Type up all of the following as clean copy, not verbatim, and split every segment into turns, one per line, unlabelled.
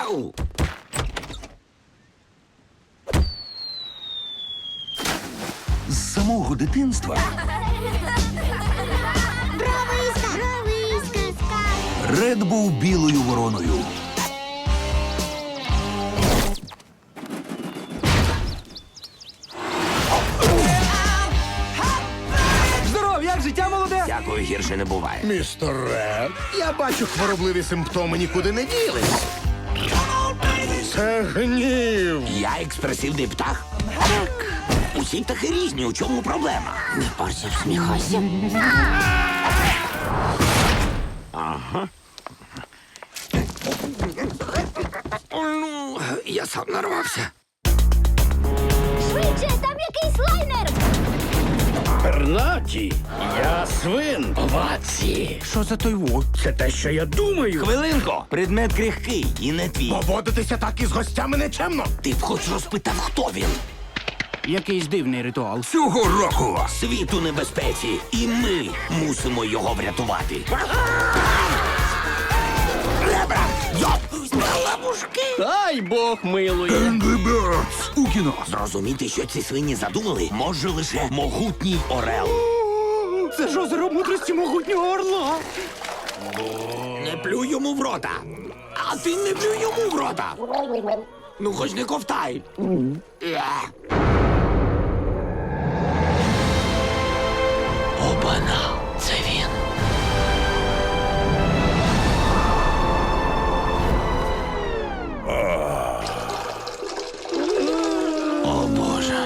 Ау!
З самого дитинства Ред був білою вороною.
Здоров, як життя молоде?
Дякую, гірше не буває.
Містер Ред, я бачу, хворобливі симптоми нікуди не ділись. Це гнів.
Я експресивний птах? Так. Усі птахи різні, у чому проблема? Не парся, всміхайся. Ага. Ну, я сам нарвався.
Швидше, там якийсь лайнер!
Пернаті, я свин. Оваці.
Що за той во?
Це те, що я думаю.
Хвилинку, предмет крихкий і не твій.
Поводитися так із гостями нечемно.
Ти б хоч розпитав, хто він.
Якийсь дивний ритуал.
Цього року
Світ у небезпеці, і ми мусимо його врятувати. Ребра! Йоп! Лапушки!
Дай Бог милує.
Angry Birds у кіно.
Зрозуміти, що ці свині задумали, може лише могутній орел.
Це ж озеро мудрості могутнього орла.
Не плюй йому в рота. А ти не плюй йому в рота. Ну, хоч не ковтай. Обана, це він. О, Боже.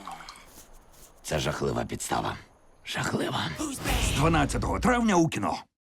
Це жахлива підстава. Жахлива.
З 12 травня у кіно.